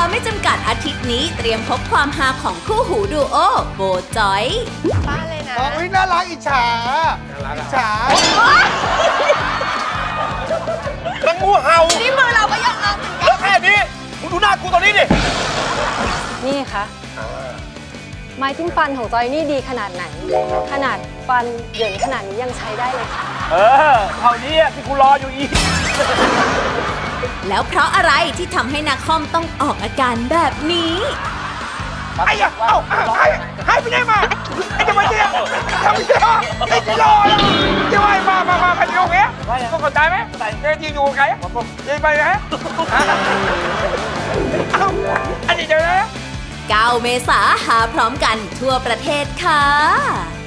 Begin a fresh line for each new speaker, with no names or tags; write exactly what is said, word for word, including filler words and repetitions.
าไม่จำกัดอาทิตย์นี้เตรียมพบความฮาของคู่หูดูโอโบจอย
บ้านเลยนะ
อ๋อน่ารักอิจฉาอิจฉา
มันงูเห่า
นี่มือเราก็ยังเอา
แล้วแค่นี้มึงดูหน้ากูตอนนี้ดิ
นี่ค่ะไม้จิ้มฟันของจอยนี่ดีขนาดไหนขนาดฟันเหยินขนาดนี้ยังใช้ได้เลยค่ะ
เออเท่านี้ที่กูรออยู่อีก
แล้วเพราะอะไรที่ทำให้นักคอมต้องออกอาการแบบนี้
ไอ้ยังเอ้าให้ให้ไปไหนมาไอ้จะมาเนี่ยทำไมเนี่ยไอ้จะรอจะว่ามามามาไปตรงนี้ก็เข้าใจไหมเดินยิงอยู่ไกลยิงไปไหนเอ้าอันนี้เจอแล้ว
เก้าเมษาหาพร้อมกันทั่วประเทศค่ะ